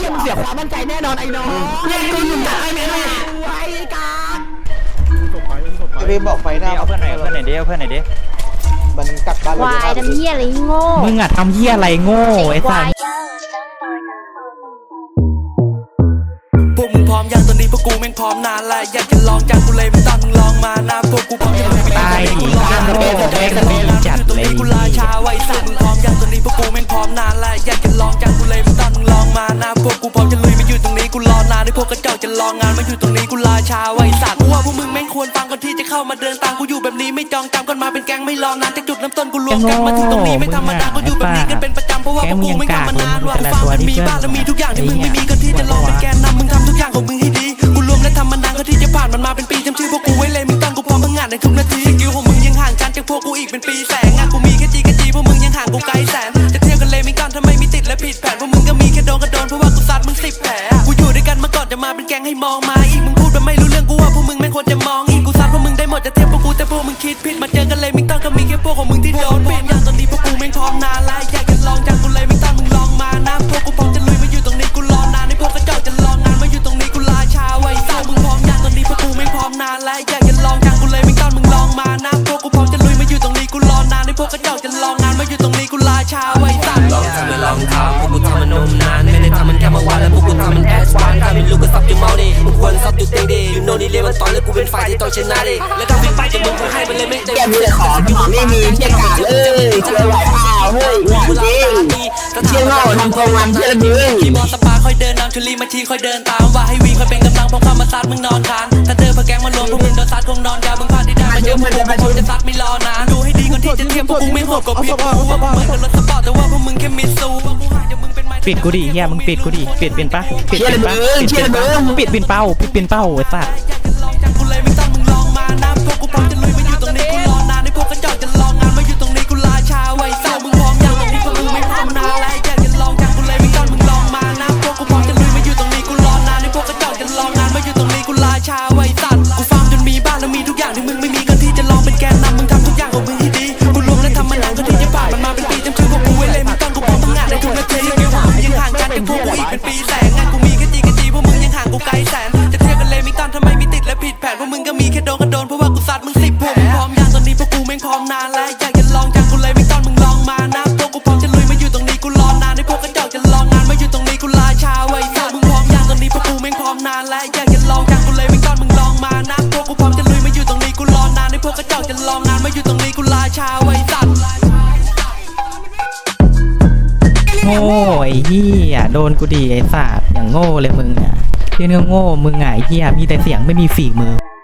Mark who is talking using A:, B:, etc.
A: ชี่ยมึงเสียความมั่นใจแน่นอนไอ้น้องยังกูอยู่กับไอ้แม่ไอ้กา
B: ไปบอกไฟหน้า
C: เอาเพื่อนหน่อยเพื่อนหน่อยดิเพื่อนหน่อยดิ
B: มันกลับบ้านเล
D: วายทำเหี้ยอะไรโง่
E: มึงอะทำเหี้ยอะไรโง่ไอ้สัส
F: พวกมึงพร้อมยังตอนนี้พวกกูแม่งพร้อมนานแล้วอยากจะลองจากกูเลยไม่ต้องมึงลองมานะพวกกูพร้อมจะลุยไป
E: ตายดิข้ามโลกแม่งดีจัดเลย
F: กูลาชาไว้สัตว์มึงพร้อมยังตอนนี้พวกกูแม่งพร้อมนานแล้วอยากจะลองจากกูเลยไม่ต้องมึงลองมานะพวกกูพร้อมจะลุยมาอยู่ตรงนี้กูรอนานให้พวกกระจอกจะลองงานมาอยู่ตรงนี้กูลาชาไว้สัตว์กูว่าพวกมึงแม่งควรฟังก่อนที่จะเข้ามาเดินตามกูอยู่แบบนี้ไม่จองจำกันมาเป็นแก๊งไม่รอนานจากจุดเริ่มต้นกูรวมกันมาถึงตรงนี้ไม่ธรรมดากูอยู่แบบนี้กันเป็นประจำเพราะว่าพวกกูไม่ทำมานานว่ากูฟังมันมีบ้านแล้วมีทุกอย่างที่มึงไม่มีก็ที่จะลองเป็นแกนนำมึงทำทุกอย่างของมึงให้ดีกูรวมและทำมานานก็ที่จะผ่านมันมาเป็นปีจำชื่อพวกกูไว้เลยมึงต้องกูพร้อมพังงานในทุกนาทีสกิลของมึงยังห่างกันจากพวกกูอีกเป็นปีแสงงานกูมีแค่จีพวกมึงยังห่างกูไกลแสนจะเทียบกันเลยไม่กันทำไมมีติดและผิดแผนพวกมึงก็มีแค่โดนกระโดนเพราะว่ากูซัดมึง10 แผลกูอยู่ด้วยกันมาก่อนจะมาเป็นแก๊งให้มองมาอีกมึงพูดแบบไม่รู้เรื่องกูว่าพวกมึงไม่ควรจะมองอีกกูซัดพวกมึงได้หมดจะเทียบพวกกูแต่พวกมึงคิดผิดมาเจอกันเลยไม่ต้องก็มีแค่พวกของมึงที่โดนปิดอย่างตอนนี้พวกกูแม่งพร้อมนานแล้วอยากจะลองจากกูเลยไม่ต้องมึงลองมานะพวกกูพร้อมจะลุยมาอยู่ตรงนี้กูรอนานให้พวกกระจอกจะลองงานมาอยู่ตรงนี้กูลาชาไว้ซ่ามึงพร้อมยังตอนนี้พวกกูแม่งพร้อมนานแล้วอยากจะลองจากกูเลยไม่ต้องมึงลองมานะพวกกูพร้อมจะลุยมาอยู่ตรงนี้กูรอนานให้พวกกระจอกจะลองงานมาอยู่ตรงนี้กูลาชาไว้ซ่าลองทำมาลองทำพวกกูทำมันนมนานไม่ได้ทำมันแค่เมื่อวานแล้วพวกกูทำมันแอสวานถ้าไม่รู้ก็ซับจุดเมาดิมึงควรซับจุดเต็งดิยูโน่นี่เรียกมันต่อยแล้วกูเป็นฝ่ายที่ต้องชนะดิแล้วถ้าวิ่งไปจะมึงกูให้มันเลยไม่เต็มที่ของไม่มีเชี่ยกาเลยเชี่ยไหวเปล่าเฮ้ยจริงเชี่ยโง่ทำโครงงานเชี่ยระเบิดขี่มอสปาค่อยเดินนำชุลีมาทีค่อยเดินตามว่าให้วิ่งค่อยเป็นกำลังพงความมาซัดมึงนอนคานถ้าเจอพวกแก๊งมารวมพวกมึงโดนซัดคงนอนยามึงพลาดที่ได้มาเยอะพวกกูจะซัดไม่รอนานดูให้ดีก่อนที่จะเทียบพวกกูไม่โหดกว่าพี่กูว่าพวกมึงเป็นรถสปอร์ตแต่ว่าพวกมึงแค่มิสซูว่ากูห่างจากมึงเป็นไม้
E: ปิดกูดิเฮียมึงปิดกูดิปิดเป็นปะปิดเป็นปะปิดเป็นเป้าปิดเป็นเป้าไอ้สัส
F: กูเลยไม่ต้องมึงลองมานะพวกกูพร้อมจะลุยมาอยู่ตรงนี้กูรอนานให้พวกกระจอกจะลองงานมาอยู่ตรงนี้กูลาชาไว้ซ่ามึงพร้อมยังตรงนี้พวกมึงไม่พร้อมนานแล้วอยากจะลองจากกูเลยไม่ต้องมึงลองมานะพวกกูพร้อมจะลุยมาอยู่ตรงนี้กูรอนานให้พวกกระจอกจะลองงานมาอยู่ตรงนี้กูลาชาไว้สัตว์กูฟาร์มจนมีบ้านแล้วมีทุกอย่างที่มึงไม่มีก็ที่จะลองเป็นแกนนำมึงทำทุกอย่างของมึงให้ดีกูรวมและทำมานานก็ที่จะผ่านมันมาเป็นปีจำชื่อพวกกูไว้เลยไม่ต้องกูพร้อมทำงานในทุกนาทีสกิลของมึงยังห่างกันจากพวกกูอีกเป็นปีแสงงานกูมีแค่จีพวกมึงยังห่างกูไกลแสนจะเทียบกันเลยไม่ต้องทำไมมีติดและผิดแผนพวกมึงก็มีแค่โดนกระโดนเพราะว่ากูซัดมึง10 พวกมึงพร้อมยังตอนนี้พวกกูแม่งพร้อมนานแล้วอยากจะลองจากกูเลยไม่ต้องมึงลองมานะพวกกูพร้อมจะลุยมาอยู่ตรงนี้กูรอนานให้พวกกระจอกจะลองงานมาอยู่ตรงนี้กูลาชาไว้ซ่ามึงพร้อมยังตอนนี้พวกกูแม่งพร้อมนานแล้วอยากจะลองจากกูเลยไม่ต้องมึงลองมานะพวกกูพร้อมจะลุยมาอยู่ตรงนี้กูรอนานให้พวกกระจอกจะลองงานมาอยู่ตรงนี้กูลาชาไว้ซ่า
E: โง่ไอ้เหี้ยโดนกูดิไอ้สัสอย่างโง่เลยมึงอ่ะเรื่องโง่มึงไงเหี้ยมีแต่เสียงไม่มีฝีมือ